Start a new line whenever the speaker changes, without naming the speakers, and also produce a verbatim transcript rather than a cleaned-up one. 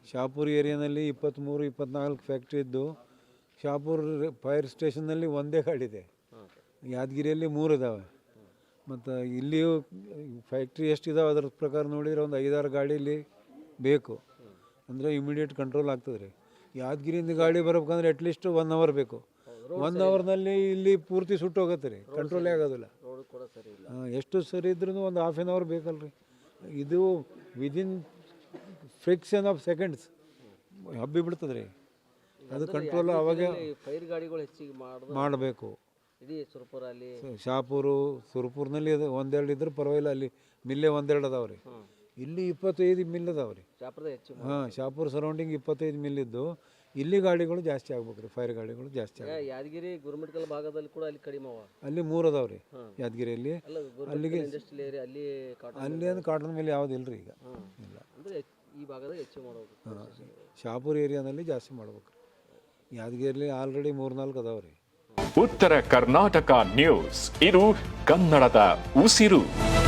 ಶಾಪುರ್ ಏರಿಯಾನಲ್ಲಿ ಇಪ್ಪತ್ತ್ಮೂರು ಇಪ್ಪತ್ತ್ನಾಲ್ಕು ಫ್ಯಾಕ್ಟ್ರಿ ಇದ್ದು ಶಾಪುರ್ ಫೈರ್ ಸ್ಟೇಷನ್ನಲ್ಲಿ ಒಂದೇ ಗಾಡಿ ಇದೆ. ಯಾದಗಿರಿಯಲ್ಲಿ ಮೂರು ಇದ್ದಾವೆ. ಮತ್ತು ಇಲ್ಲಿಯೂ ಫ್ಯಾಕ್ಟ್ರಿ ಎಷ್ಟಿದಾವೆ ಅದ್ರ ಪ್ರಕಾರ ನೋಡಿದರೆ ಒಂದು ಐದಾರು ಗಾಡೀಲಿ ಬೇಕು ಅಂದರೆ ಇಮಿಡಿಯೇಟ್ ಕಂಟ್ರೋಲ್ ಆಗ್ತದೆ ರೀ. ಯಾದಗಿರಿಯಿಂದ ಗಾಡಿ ಬರ್ಬೇಕಂದ್ರೆ ಅಟ್ಲೀಸ್ಟ್ ಒನ್ ಅವರ್ ಬೇಕು. ಒನ್ ಅವರ್ನಲ್ಲಿ ಇಲ್ಲಿ ಪೂರ್ತಿ ಸುಟ್ಟು ಹೋಗುತ್ತೆ ರೀ, ಕಂಟ್ರೋಲೇ ಆಗೋದಿಲ್ಲ. ಹಾಂ, ಎಷ್ಟು ಸರಿ ಇದ್ರೂ ಒಂದು ಹಾಫ್ ಆನ್ ಅವರ್ ಬೇಕಲ್ರಿ. ಇದು ವಿದಿನ್ ಫ್ರಿಕ್ಷನ್ ಆಫ್ ಸೆಕೆಂಡ್ಸ್ ಹಬ್ಬಿ ಬಿಡ್ತದೆ ರೀ. ಅದು ಕಂಟ್ರೋಲ್ ಅವಾಗ
ಫೈರ್ ಗಾಡಿಗಳು ಹೆಚ್ಚಿಗೆ
ಮಾಡಬೇಕು.
ಇಡೀ ಸುರಪುರ ಅಲ್ಲಿ
ಶಾಪುರು ಸುರಪುರ್ನಲ್ಲಿ ಅದು ಒಂದೆರಡು ಇದ್ರೆ ಪರವಾಗಿಲ್ಲ, ಅಲ್ಲಿ ಮಿಲ್ಲೇ ಒಂದೆರಡು ಅದಾವೆ ರೀ. ಇಲ್ಲಿ ಇಪ್ಪತ್ತೈದು ಮಿಲ್ ಅದಾವೆ ರೀ. ಹಾಂ, ಶಾಪುರ್ ಸರೌಂಡಿಂಗ್ ಇಪ್ಪತ್ತೈದು ಮಿಲ್ ಇದ್ದು ಇಲ್ಲಿ ಗಾಡಿಗಳು ಜಾಸ್ತಿ ಆಗ್ಬೇಕು ರೀ, ಫೈರ್ ಗಾಡಿಗಳು ಜಾಸ್ತಿ ಆಗ್ಬೇಕು.
ಯಾದಗಿರಿ ಗುರುಮಿಟ್ಕಲ್ ಭಾಗದಲ್ಲಿ ಕೂಡ ಅಲ್ಲಿ ಕಡಿಮೆ ಅವ.
ಅಲ್ಲಿ ಮೂರು ಅದಾವೆ ರೀ ಯಾದಗಿರಿಯಲ್ಲಿ. ಅಲ್ಲಿಗೆ
ಅಲ್ಲಿ
ಅಲ್ಲಿ ಅಂದ್ರೆ ಕಾಟನ್ ಮೇಲೆ ಯಾವ್ದು ಇಲ್ಲ ರೀ ಈಗ ಇಲ್ಲ.
ಅಂದರೆ ಈ ಭಾಗದಾಗ ಹೆಚ್ಚು ಮಾಡಬೇಕು.
ಹಾಂ, ಶಾಪುರ್ ಏರಿಯಾದಲ್ಲಿ ಜಾಸ್ತಿ ಮಾಡ್ಬೇಕು. ಯಾದಗಿರಿಯಲ್ಲಿ ಆಲ್ರೆಡಿ ಮೂರ್ನಾಲ್ಕು ಅದಾವೆ ರೀ.
ಉತ್ತರ ಕರ್ನಾಟಕ ನ್ಯೂಸ್, ಇದು ಕನ್ನಡದ ಉಸಿರು.